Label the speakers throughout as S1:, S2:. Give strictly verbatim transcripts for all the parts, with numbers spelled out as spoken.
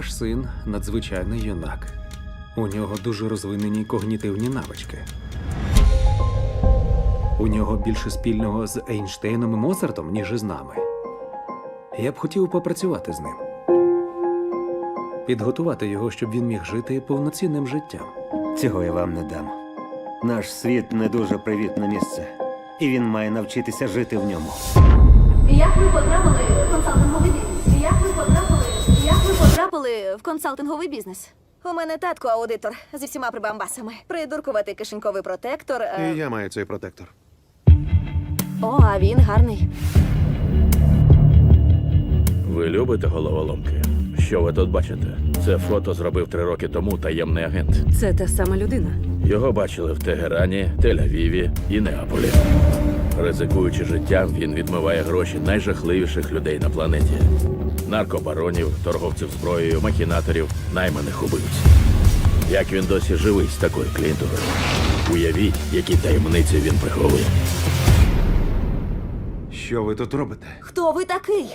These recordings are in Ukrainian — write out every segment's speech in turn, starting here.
S1: Ваш син надзвичайний юнак. У нього дуже розвинені когнітивні навички. У нього більше спільного з Ейнштейном і Моцартом, ніж із нами. Я б хотів попрацювати з ним. Підготувати його, щоб він міг жити повноцінним життям.
S2: Цього я вам не дам. Наш світ не дуже привітне місце. І він має навчитися жити в ньому.
S3: Як ви потрапили в консалтинговий бізнес? Як ви потрапили? Як ви потрапили в консалтинговий бізнес? У мене татко аудитор зі всіма прибамбасами. Придуркуватий кишеньковий протектор. е,
S4: І я маю цей протектор.
S3: О, а він гарний.
S5: Ви любите головоломки? Що ви тут бачите? Це фото зробив три роки тому таємний агент.
S6: Це та сама людина.
S5: Його бачили в Тегерані, Тель-Авіві і Неаполі. Ризикуючи життям, він відмиває гроші найжахливіших людей на планеті: наркобаронів, торговців зброєю, махінаторів, найманих убивць. Як він досі живий з такою клієнтурою? Уявіть, які таємниці він приховує.
S4: Що ви тут робите?
S3: Хто ви такий?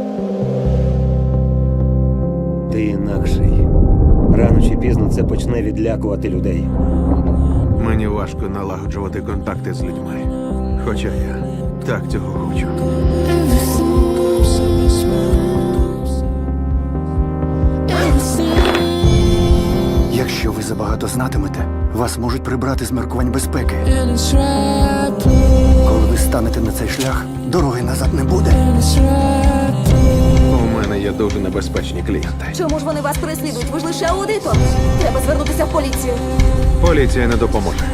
S2: Ти інакший. Рано чи пізно це почне відлякувати людей.
S4: Мені важко налагоджувати контакти з людьми. Хоча я так цього хочу.
S7: Якщо ви забагато знатимете, вас можуть прибрати з міркувань безпеки. Коли ви станете на цей шлях, дороги назад не буде.
S4: У мене є дуже небезпечні клієнти.
S3: Чому ж вони вас переслідують? Ви ж лише аудитор. Треба звернутися в поліцію.
S4: Поліція не допоможе.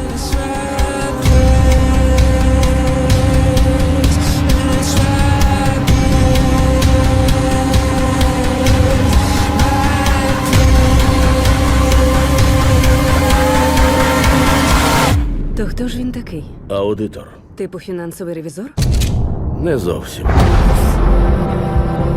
S6: То хто ж він такий?
S5: Аудитор.
S6: Типу фінансовий ревізор?
S5: Не зовсім.